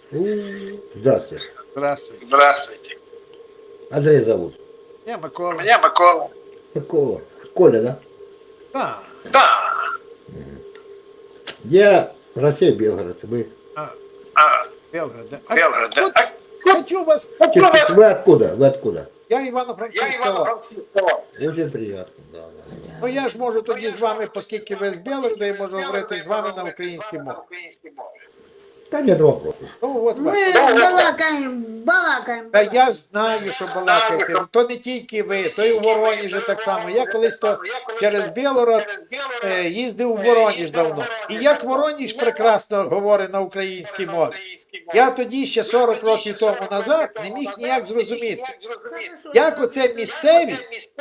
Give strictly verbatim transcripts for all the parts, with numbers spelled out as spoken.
Здравствуйте. Здравствуйте. Здравствуйте. Андрей зовут. Я Микола. Меня Микола. Микола. Коля, да? Да. Да. Я Россия, Белгород. Вы? А, А, Белгород, да. А, Белгород, да? вот А, хочу вас... Чё- Вы откуда? Вы откуда? Я Я Івано-Франківська. Ивано-Франківська. Очень приятно. Да, да. Ну я ж можу тоді з вами, оскільки ви з Белгорода, я можу говорити з вами на українській мові. Там нет вопросов. Ну от вас. Ми балакаємо, балакаємо. Та я знаю, що балакаєте. То не тільки ви, то і у Воронежі так само. Я колись то через Білгород е, їздив у Воронеж давно. І як Воронеж прекрасно говорить на українській мові. Я тоді ще сорок років тому назад не міг ніяк зрозуміти, як оце місцеві.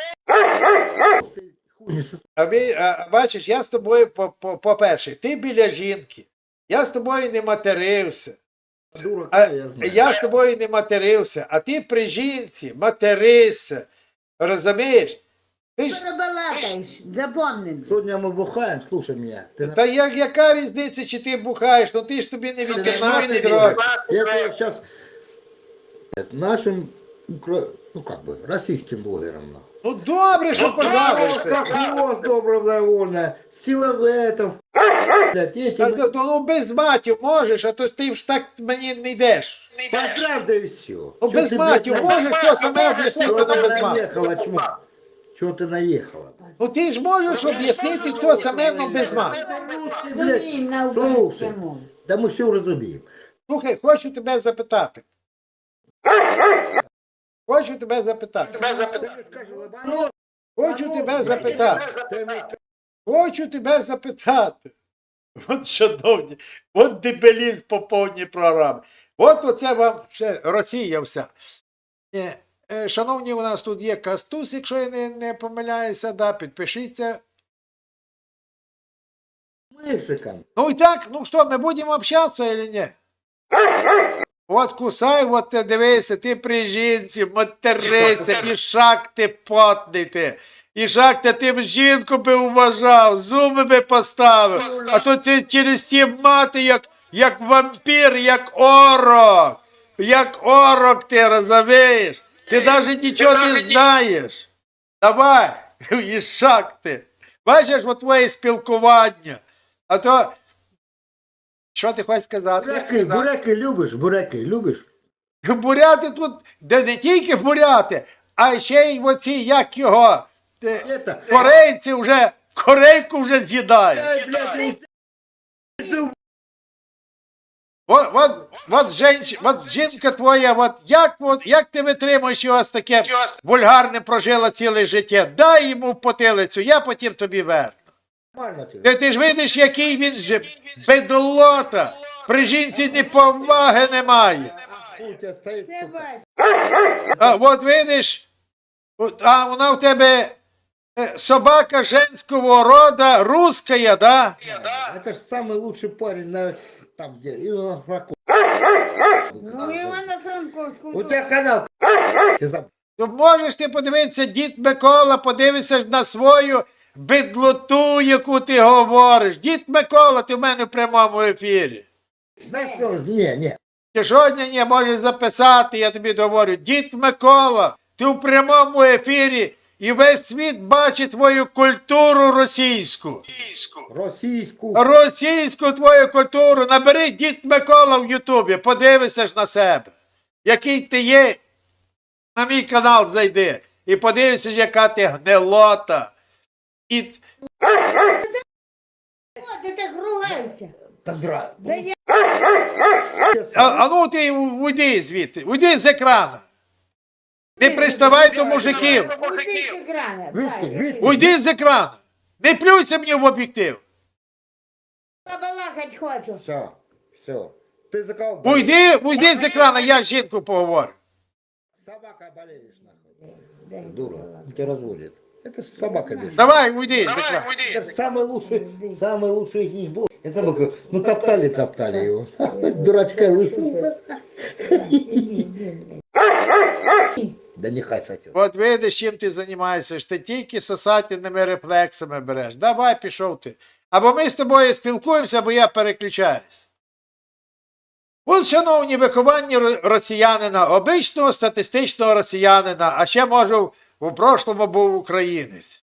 А ви, а, бачиш, я з тобою, по- по- по-перше, ти біля жінки. Я з тобою не матерився. Дурака, А, я знаю. я з тобою не матерився, а ти при жінці материшся. Розумієш? Ти ж, Балакаєш, запомни. Сегодня мы бухаем, слушай меня. Ты на- та як, яка різниця, чи ти бухаєш? Ну ти ж тобі не вісімнадцять років. Я тебе сейчас нашим, укра- ну как бы, российским блогерам. нахуй. Ну добре, що пожалуйся. Как хвост добровольно, силоветов, блядь, эти... Та, ну, ну без матів можеш, а то ти ж так мені не йдеш. Поздравь, да и все. Ну без матів можеш, то саме об'яснити, Чего то ты без матів. наехала, чмо? Чего ты наехала? Ну ти ж можеш об'яснити то саме, но без матів. Розуміємо на Слушай, українській мові. да мы все разумеем. Слухай, хочу тебе запитати. Хочу тебе запитати. Хочу тебе запитати. Хочу тебе запитати. От шановні, от дебелізм по повній програмі. От оце вам ще Росія вся. Е, е, Шановні, у нас тут є Кастус, якщо я не, не помиляюся, да, підпишіться. Мексикан. Ну і так, ну що, ми будемо общатися или ні? От кусай, от ти дивися, ти при жінці, материся, і шаг ти потний ти. І шаг ти тим жінку би вважав, зуби би поставив. А то ти через ті мати, як, як вампір, як орок. Як орок ти, розумієш? Ти навіть нічого не знаєш. Давай, і шаг ти. Бачиш, от твоє спілкування. А то, що ти хочеш сказати? Буряки, буряки любиш? Буряки любиш? Буряти тут, де не тільки буряти, а ще й оці, як його, е, Это... корейці вже, корейку вже з'їдають. Ай, блядь, не От, от, от, женщ, от жінка твоя, от як, от, як ти витримуєш його з таким вульгарним прожила ціле життя? Дай йому в потилицю, я потім тобі верну. нормально тебе. Ти, ти ж видиш, який він же бедолота, при жінці ні поваги немає. У тебя стоит, сука. А от видиш, от, а вона в тебе е, собака женського рода, русская, да? Это же самый лучший парень на... там, где... Ивано-Франковск. Ну, Івано-Франковську. У тебя канал. Ты заб- То можеш ти подивитися, дід Микола, подивишся ж на свою бедлоту, яку ти говориш. Дід Микола, ти в мене в прямому ефірі. Знаешь что? Не, не. Ти сьогодні не можеш записати, я тобі говорю. Дід Микола, ти в прямому ефірі, і весь світ бачить твою культуру російську. Российскую. Російську твою культуру. Набери дід Микола в Ютубі, подивися ж на себе. Який ти є, на мій канал зайди. І подивися, яка ти гнилота. І... О, ти так ругайся. Да дра. Да я А, а ну ти уйди звідти, уйди з екрана. Не приставай до мужиків. уйди з екрана. Видите, дай. видите? Уйди з екрана. Не плюйся мені в об'єктив. Побалакать хочу. Все, все. Ты за кого болеешь? Уйди, уйди з екрана, я з жінкою поговорю. Собака болеешь, нахуй. Дай Дура, побалакать. он тебя разводит. Это ж собака бежит. Давай, уйди з екрана. Это ж самый лучший, самый лучший из них был. Я забыл, как- ну топтали, топтали его. Дурачка лысого. Да нехай сатет. От видиш, чим ти займаєшся, ж ти тільки сосательними рефлексами береш. Давай, пішов ти. Або ми з тобою спілкуємося, або я переключаюсь. От, шановні, виховання ро- росіянина, обичного статистичного росіянина, а ще, може, в, в прошлому був українець.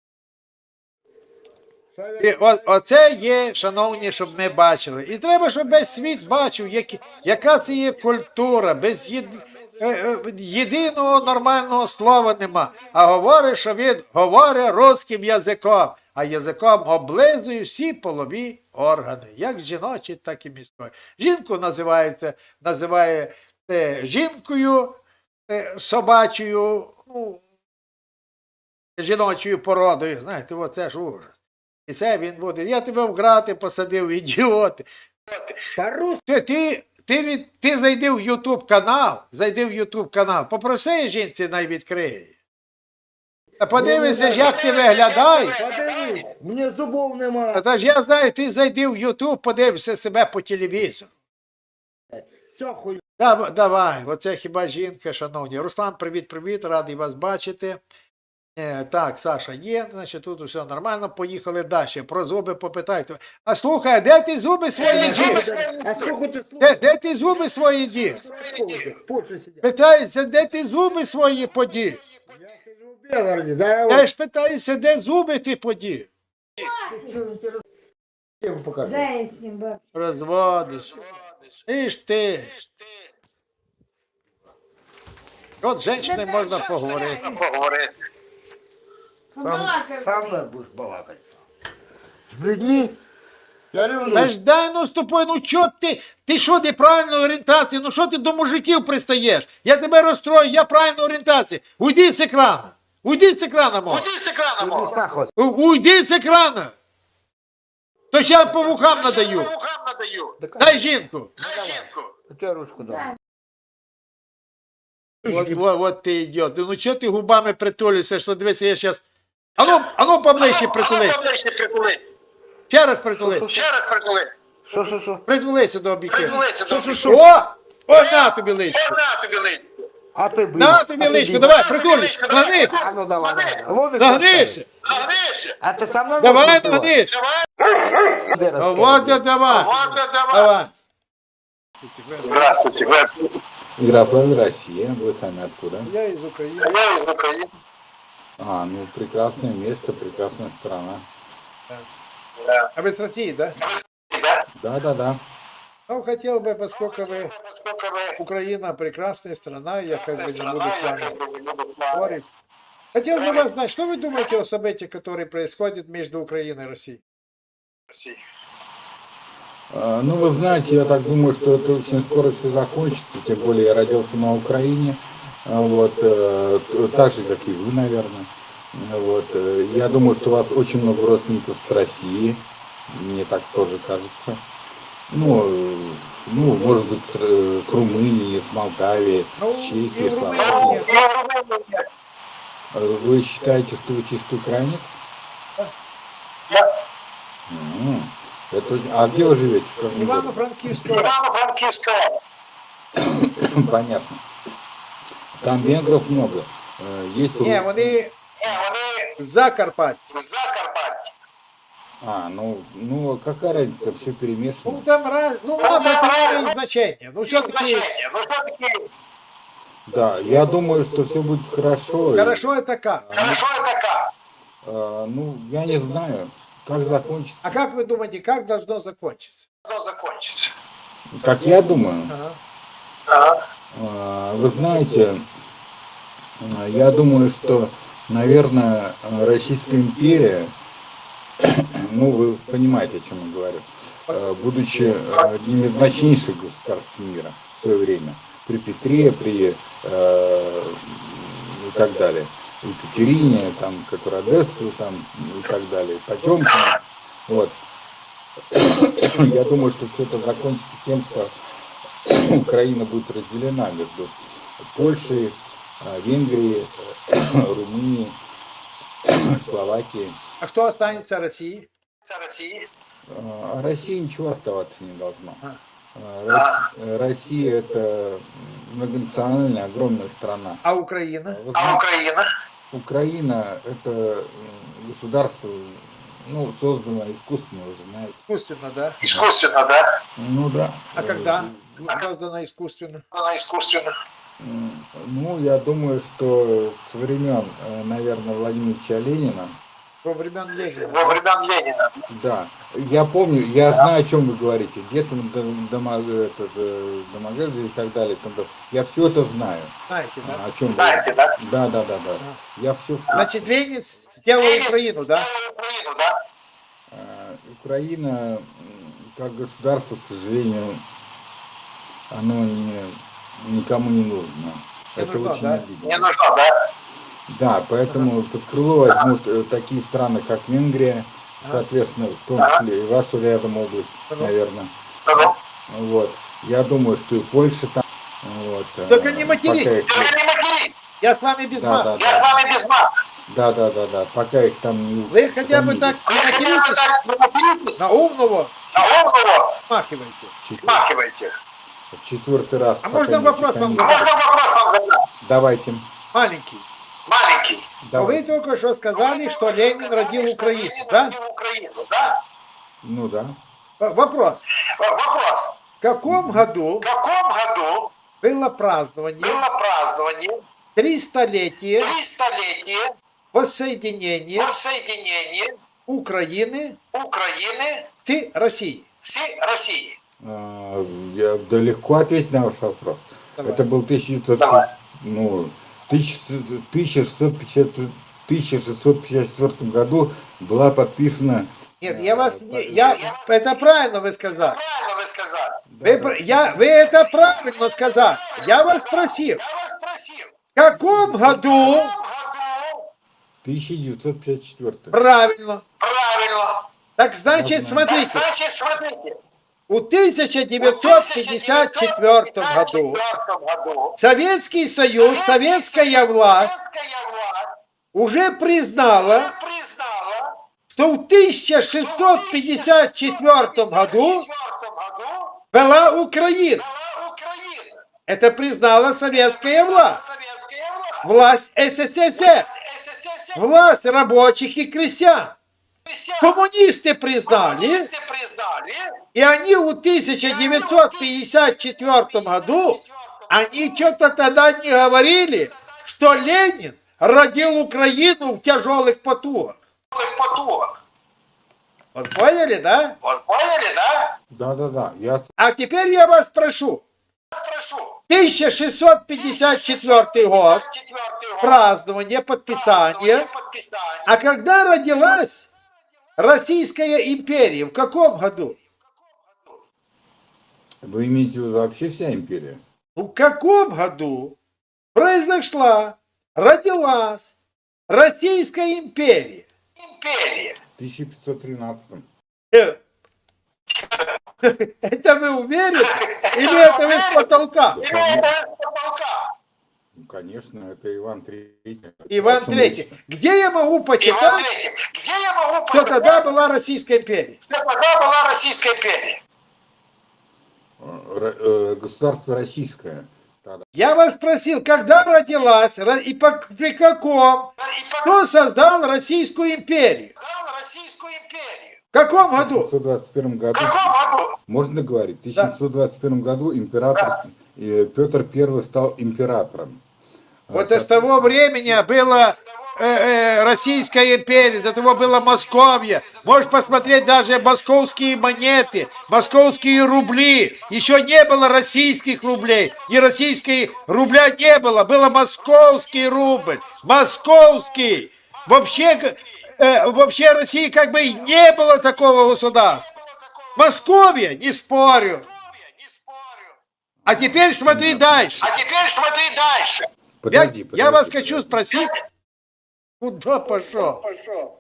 І о, оце є, шановні, щоб ми бачили. І треба, щоб весь світ бачив, які, яка це є культура, без єд, е, е, єдиного нормального слова нема. А говорить, що він говорить русським язиком, а язиком облизує всі полові органи, як жіночі, так і міської. Жінку називаєте, називає е, жінкою е, собачою, ну, жіночою породою. Знаєте, оце ж ужас. І це він буде. Я тебе в грати посадив, ідіоти. По-русски. Ти, ти, ти, від, ти зайди в Ютуб канал, зайди в Ютуб канал, попроси жінці най відкриє. Та подивися ж, як ти виглядаєш. Подивись, мені зубов нема. А та ж я знаю, ти зайди в Ютуб, подивишся себе по телевізору. Все хуй. Дав- Давай, оце хіба жінка, шановні. Руслан, привіт-привіт, радий вас бачити. Е, так, Саша є, значить тут все нормально, поїхали далі. Про зуби попитайте. А слухай, а де ти зуби свої дів? А сколько ти Де, слухаєш? де ти зуби свої дів? В Польщі сидять. Питаюся, де ти зуби свої подів? Я сиджу в Белгороді, зараз Я ж питаюся, де зуби ти подів? я вам покажу. Дай я с ним баб. Розводиш. І ж ти. От з жінкою можна поговорити. Сам, Побалакай. сам не будеш балакати. З людьми я Та люблю. ж дай ну з тобою, ну чо ти, ти що неправильної орієнтації, ну що ти до мужиків пристаєш? Я тебе розстрою, я правильної орієнтації. Уйди з екрана. Уйди з екрана, мов. Сиди нахуй. У- Уйди з екрана. То ще по вухам надаю. Дай жінку. Я ручку дам. Вот, вот, вот ти ідіот. Ну чого ти губами притулюєшся, що дивися, я зараз... Ану, ану поближче притулися. Ще раз притулися. Що, що, що? Притулися до обіки. Що, що, що? О! О, на тобі личку. А ти бий. На тобі А ти личку, бий. давай, притулись. Нагнись. А ну давай, давай. Ловик Нагнися. поставь. А ти сам на Давай, ногу давай. нагнись. Де Ну, розкажи? вот я давай. Давай. Здравствуйте. Ярославль, Россия. Вы сами откуда? Я із України. Я из Украины. А, ну прекрасное место, прекрасная страна. А ви з Росії, да? Да, да, да. Ну, хотел бы, поскольку вы Насколько вы Украина прекрасная страна, я как бы не страна, буду с я вами как бы не буду с вами. спорить. Хотел бы вас знать, что вы думаете о событиях, которые происходят между Украиной и Россией? А, ну, вы знаете, я так думаю, что это очень скоро все закончится, тем более я родился на Украине, а, вот, э, т- так же, как и вы, наверное. Вот, э, я думаю, что у вас очень много родственников с России, мне так тоже кажется. Ну, э, ну, может быть, с, Р- с Румынии, с Молдавии, Ну, с Чехии, и в слава Румынии богу. нет. А Вы считаете, что вы чистый украинец? М, Это, очень- а где вы живете? В каком городе? Ивано-Франкивского. Ивано-Франкивского. Понятно. Там венгров много. Э, Есть Не, русские. вони Не, вони в Закарпатті. в Закарпатті. А, ну, ну какая разница, все Ну перемешано. там раз, ну ладно, это не имеет значения. Ну все-таки Значення. Ну, все-таки, Да, я думаю, что все будет хорошо. И, хорошо это как? хорошо это как? э, ну, я не знаю, как закончится. А как вы думаете, как должно закончиться? Оно закончится. Как я думаю, Ага. Ага. э, вы знаете, э, я думаю, что, наверное, э, Российская империя, ну, вы понимаете, о чем я говорю, э, будучи э, одним из мощнейших государств мира в свое время, при Петре, при э, и так далее, Екатерине, там, которая Одессу, там, и так далее, Потемкину, вот. Я думаю, что все это закончится тем, что Украина будет разделена между Польшей, э, Венгрией, Румынией, Словакией. А что останется России? Це Росії. А России ничего оставаться не должно. А. А, Рос- Россия это многонациональная, огромная страна. А Украина? Вы А знаете, Україна? Украина это м, государство ну, создано искусственно, вы же знаете. Искусственно, да? Искусственно, да? Ну да. А когда создано искусственно? Она искусственно. М, Ну, я думаю, что с времен, э, наверное, Владимира Ильича Ленина, Во времен Ленина. Во времен Ленина. да, я помню, я знаю, о чем вы говорите, где там дом- дома, этот, э, Домодедово и так далее, там, да, я все это знаю, Знаете, да? о чем вы Знаете, да? Да, да, да, да. Я все Значит, Ленин сделал Украину, да? Сделал Украину, да? Украина, м, как государство, к сожалению, оно не, никому не нужно. Не это нужно, очень да? обидно. Не нужно, да? Да, поэтому под крыло возьмут э, такие страны, как Венгрия, соответственно, в том числе и вашу рядом область, Ага. наверное. Ну, Вот. Я думаю, что и Польша там. Вот, э, Только не матерись. пока их Только не матерись. Я с вами без Да, мата. да, Я с вами без мат. Да, да, да, да. Пока их там не Вы хотя бы устранили. так Вы не хотя бы материтесь, так не материтесь, на умного на умного смахивайте. смахивайте. В четвертый раз. А пока можно не вопрос вам устранили. А можно вопрос вам задать? Давайте. Маленький. Маленький. Но вы Давайте. только что сказали, что Ленин родил Украину, Ленин да? родил Украину, да? Ну да. В- Вопрос. В- Вопрос. В каком году В каком году было празднование было празднование тристолетия трехстолетия воссоединения воссоединения Украины Украины с Россией? с Россией? А, Я да, легко ответить на ваш вопрос. Давай. Это был тысяча девятьсот, Давай. ну, тысяча шестьсот пятьдесят, тысяча шестьсот пятьдесят четвёртом году была подписана. Нет, я вас не... Я, это правильно вы сказали. Правильно вы сказали. Вы, пр- я, вы это правильно сказали. Я вас спросил, Я вас спросил, в каком году? в каком году? тысяча девятьсот пятьдесят четвёртом. Правильно. Правильно. Так значит, Я знаю. Так, смотрите, значит, смотрите. в тысяча девятьсот пятьдесят четвёртом году году Советский Союз, советская власть советская власть уже признала, признала что в тысяча шестьсот пятьдесят четвёртом году году была Украина. была Украина. Это признала советская власть. Советская власть. Власть СССР. СССР. Власть рабочих и крестьян. Коммунисты признали, Коммунисты признали. и они в тысяча девятьсот пятьдесят четвёртом году, они что-то тогда не говорили, что Ленин родил Украину в тяжелых потугах. Потух. Вот поняли, да? Вот поняли, да? Да, да, да. Я А теперь я вас прошу. Прошу. тысяча шестьсот пятьдесят четвёртый год, Четвертый год. празднование, подписание. Подписание. А когда родилась Российская империя? В каком году? Вы имеете в виду вообще вся империя? В каком году произошла, родилась Российская империя? Империя. В тысяча пятьсот тринадцатом. Э, Это вы уверены? Или это вы с потолка? Или это потолка? Ну, конечно, это Иван Третий. Иван О чем Третий. речь-то? Где я могу Иван почитать, Третий. Где я могу что почитать, тогда была Российская империя? что тогда была Российская империя? Р- э, Государство российское. Тогда. Я вас спросил, когда родилась ро- и по- при каком? И по- Кто создал Российскую империю? создал Российскую империю. В каком В году? тысяча пятьсот двадцать первом В году, каком году? можно говорить, в тысяча пятьсот двадцать первом году император э, Петр Первый стал императором. Вот с того времени была э, э, Российская империя, до того была Московия. Можешь посмотреть даже московские монеты, московские рубли. Еще не было российских рублей, и российской рубля не было, было московский рубль, московский. Вообще, э, вообще России как бы и не было такого государства. Московия, не спорю. Не спорю. А теперь смотри дальше. А теперь смотри дальше. Я, Подожди, я вас подожди, хочу подожди. спросить, куда пошел? Пошел.